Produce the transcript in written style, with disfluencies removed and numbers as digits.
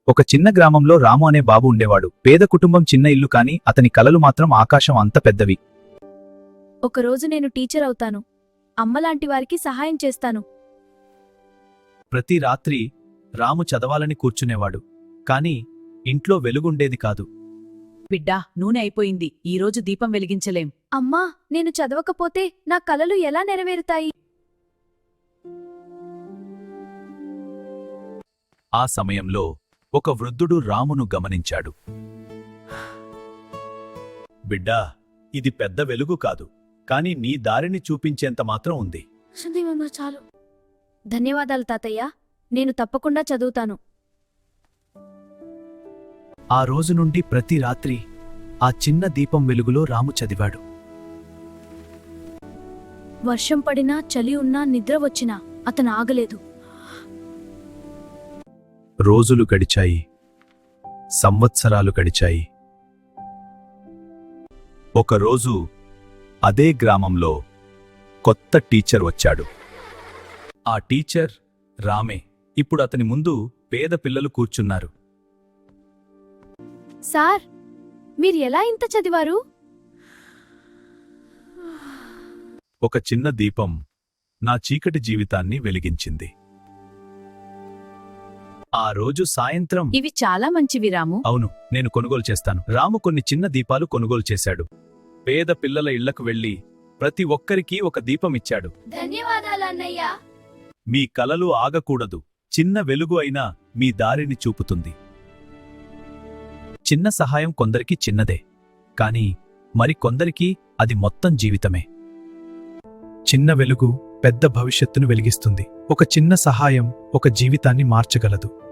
ఒక చిన్న గ్రామంలో రాము అనే బాబు ఉండేవాడు. పేద కుటుంబం, చిన్న ఇల్లు, కాని అతని కలలు మాత్రం ఆకాశం అంత పెద్దవి. ఒకరోజు నేను టీచర్ అవుతాను. అమ్మలాంటి వారికి సహాయం చేస్తాను. ప్రతి రాత్రి రాము చదవాలని కూర్చునేవాడు. కాని ఇంట్లో వెలుగుండేది కాదు. బిడ్డా, నూనె అయిపోయింది. ఈరోజు దీపం వెలిగించలేం. అమ్మా, నేను చదవకపోతే నా కలలు ఎలా నెరవేరుతాయి? ఆ సమయంలో ఒక వృద్ధుడు రామును గమనించాడు. బిడ్డా, ఇది పెద్ద వెలుగు కాదు, కాని నీ దారిని చూపించేంత మాత్రం ఉంది. చాలు. ధన్యవాదాలు తాతయ్య. నేను తప్పకుండా చదువుతాను. ఆ రోజు నుండి ప్రతి రాత్రి ఆ చిన్న దీపం వెలుగులో రాము చదివాడు. వర్షం పడినా, చలి ఉన్నా, నిద్ర వచ్చినా అతను ఆగలేదు. రోజులు గడిచాయి, సంవత్సరాలు గడిచాయి. ఒకరోజు అదే గ్రామంలో కొత్త టీచర్ వచ్చాడు. ఆ టీచర్ రామే. ఇప్పుడు అతని ముందు పేద పిల్లలు కూర్చున్నారు. సార్, మీరు ఎలా ఇంత చదివారు? ఒక చిన్న దీపం నా చీకటి జీవితాన్ని వెలిగించింది. ఆ రోజు సాయంత్రం, ఇవి చాలా మంచివి రాము. అవును, నేను కొనుగోలు చేస్తాను. రాము కొన్ని చిన్న దీపాలు కొనుగోలు చేశాడు. పేద పిల్లల ఇళ్లకు వెళ్లి ప్రతి ఒక్కరికీ ఒక దీపం ఇచ్చాడు. ధన్యవాదాలు అన్నయ్య. మీ కలలు ఆగకూడదు. చిన్న వెలుగు అయినా మీ దారిని చూపుతుంది. చిన్న సహాయం కొందరికి చిన్నదే, కాని మరికొందరికి అది మొత్తం జీవితమే. చిన్న వెలుగు పెద్ద భవిష్యత్తును వెలిగిస్తుంది. ఒక చిన్న సహాయం ఒక జీవితాన్ని మార్చగలదు.